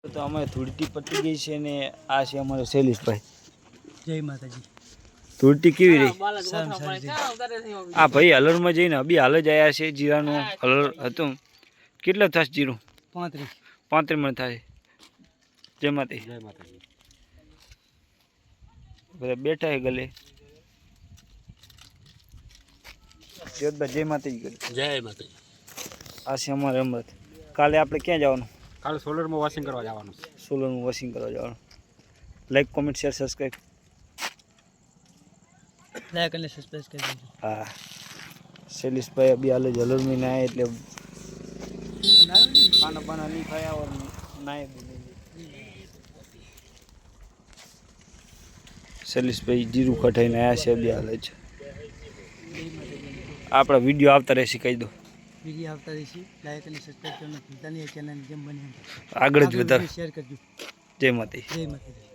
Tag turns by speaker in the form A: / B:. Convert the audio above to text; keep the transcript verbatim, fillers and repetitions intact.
A: તો અમે ધૂળટી પતી ગઈ છે ને આ છે અમારો શૈલેષભાઈ.
B: જય માતાજી.
A: ધૂળટી કેવી રહી?
B: સારું
A: આ ભાઈ હલરમાં જઈને અભી હાલ જ આવ્યા છે. જીરાનું હલર હતું. કેટલા થશે જીરું?
B: પાંત્રીસ
A: પાંત્રીસ મણ થાય. જય માતાજી.
B: જય માતાજી.
A: બધા બેઠા હે ગલે. જય માતાજી કરી.
B: જય માતાજી.
A: આ છે અમારે અમૃત. કાલે આપણે ક્યાં જવાનું?
B: કાલે સોલરમાં વોશિંગ કરવા જવાનું છે.
A: સોલરમાં વોશિંગ કરવા જવાનું. Like comment share subscribe.
B: Like અને સબસ્ક્રાઇબ કરી દેજો.
A: હા શૈલેષભાઈ અભી હાલ જ હલર में आए એટલે खाना पाना नहीं खाया और नाए भी नहीं. શૈલેષભાઈ જીરું કઢાઈને આવ્યા છે અભી હાલ જ. આપણા વિડીયો આવતા રહેશે કહી દો.
B: વિડીયો આવતા રહેશે. લાઈક અને સબસ્ક્રાઇબ કરવાનું ભૂલતા નહીં. ચેનલ જેમ બને
A: આગળ જ વધારે
B: શેર કરજો.
A: જય માતાજી.
B: જય માતાજી.